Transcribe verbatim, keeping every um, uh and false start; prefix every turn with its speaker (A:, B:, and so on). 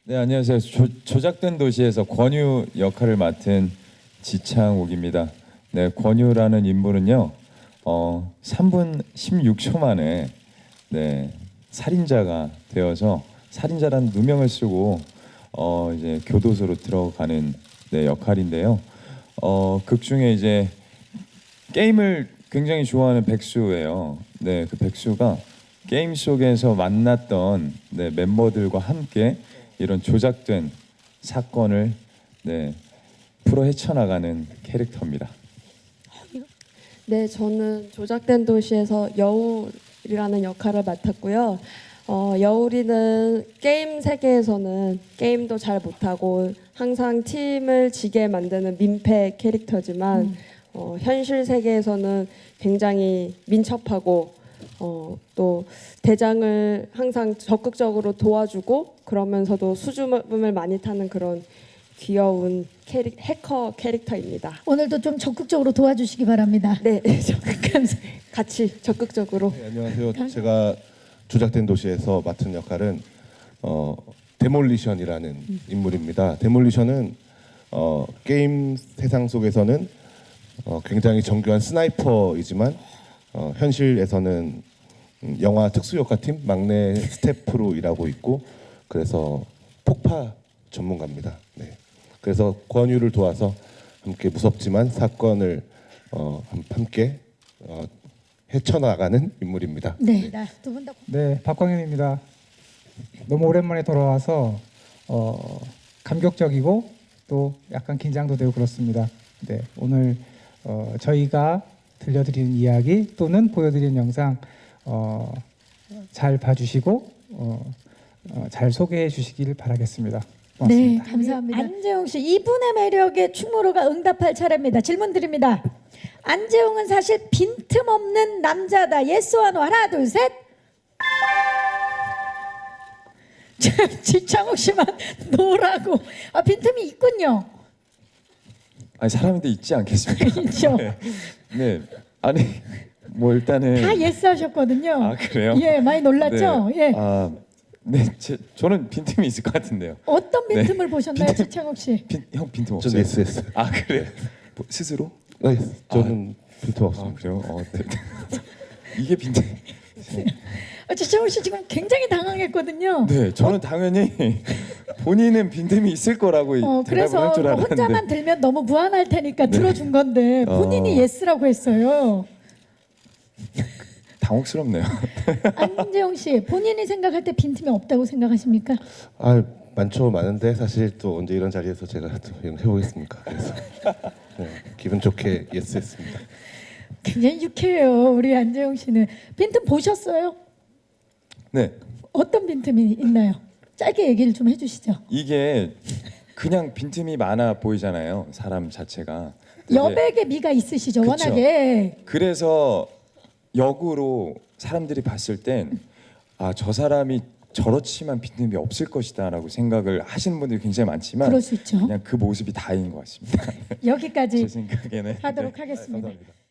A: 네, 안녕하세요. 조, 조작된 도시에서 권유 역할을 맡은 지창욱입니다. 네, 권유라는 인물은요, 어, 삼 분 십육 초 만에 네, 살인자가 되어서 살인자라는 누명을 쓰고 어, 이제 교도소로 들어가는 네, 역할인데요. 어, 극 중에 이제 게임을 굉장히 좋아하는 백수예요. 네, 그 백수가 게임 속에서 만났던 네, 멤버들과 함께 이런 조작된 사건을 네, 풀어 헤쳐나가는 캐릭터입니다.
B: 네, 저는 조작된 도시에서 여울이라는 역할을 맡았고요. 어, 여울이는 게임 세계에서는 게임도 잘 못하고 항상 팀을 지게 만드는 민폐 캐릭터지만
C: 음.
B: 어, 현실 세계에서는 굉장히 민첩하고 어, 또 대장을 항상 적극적으로 도와주고 그러면서도 수줍음을 많이 타는 그런 귀여운 캐릭, 해커 캐릭터입니다.
C: 오늘도 좀 적극적으로 도와주시기 바랍니다.
B: 네, 같이 적극적으로.
D: 네, 안녕하세요. 제가 조작된 도시에서 맡은 역할은 어, 데몰리션이라는
C: 음.
D: 인물입니다. 데몰리션은 어, 게임 세상 속에서는 어, 굉장히 정교한 스나이퍼이지만 어, 현실에서는 음, 영화 특수효과팀 막내 스태프로 일하고 있고 그래서 폭파 전문가입니다. 네. 그래서 권유를 도와서 함께 무섭지만 사건을 어, 함- 함께 어, 헤쳐나가는 인물입니다.
C: 네, 두 분 다.
E: 네, 박광현입니다. 너무 오랜만에 돌아와서 어, 감격적이고 또 약간 긴장도 되고 그렇습니다. 네, 오늘 어, 저희가 들려드리는 이야기 또는 보여드리는 영상 어, 잘 봐주시고 어, 어, 잘 소개해 주시길 바라겠습니다.
C: 네,
E: 고맙습니다.
C: 감사합니다. 안재홍 씨, 이분의 매력에 충무로가 응답할 차례입니다. 질문 드립니다. 안재홍은 사실 빈틈없는 남자다. 예스와 노. 하나, 둘, 셋. 지창욱 씨만 노라고. 아, 빈틈이 있군요.
A: 아니 사람인데 있지 않겠습니까?
C: 있죠.
A: 네, 네. 아니 뭐 일단은
C: 다 예스 하셨거든요.
A: 아 그래요?
C: 예, 많이 놀랐죠?
A: 네.
C: 예.
A: 아, 네, 제, 저는 빈틈이 있을 것 같은데요.
C: 어떤 빈틈을
A: 네.
C: 보셨나요,
A: 빈틈-
C: 지창욱 씨?
A: 빈, 형 빈틈 없어요?
D: 저는 예스 했어요.
A: 아 그래? 뭐, 스스로?
D: 네, 저는 빈틈
A: 아
D: 없습니다.
A: 그래요? 어, 네. 이게 빈틈.
C: 아, 지창욱 씨 지금 굉장히 당황했거든요.
A: 네, 저는 당연히 본인은 빈틈이 있을 거라고
C: 어,
A: 대답을
C: 그래서
A: 할 줄 알았는데.
C: 혼자만 들면 너무 무안할 테니까 들어준 건데 본인이
A: 어.
C: 예스라고 했어요.
A: 당혹스럽네요.
C: 안재홍 씨, 본인이 생각할 때 빈틈이 없다고 생각하십니까?
D: 아 많죠 많은데 사실 또 언제 이런 자리에서 제가 또 이런 거 해보겠습니까? 그래서 네, 기분 좋게 예스 했습니다.
C: 굉장히 유쾌해요, 우리 안재홍 씨는. 빈틈 보셨어요?
A: 네,
C: 어떤 빈틈이 있나요? 짧게 얘기를 좀 해주시죠.
A: 이게 그냥 빈틈이 많아 보이잖아요. 사람 자체가. 근데
C: 여백의 미가 있으시죠,
A: 그쵸.
C: 워낙에.
A: 그래서 역으로 사람들이 봤을 땐 아, 저 사람이 저렇지만 빈틈이 없을 것이다라고 생각을 하시는 분들이 굉장히 많지만
C: 그럴 수 있죠.
A: 그냥 그 모습이 다인 것 같습니다.
C: 여기까지
A: 제 생각에는
C: 하도록
A: 네.
C: 하겠습니다.
A: 감사합니다.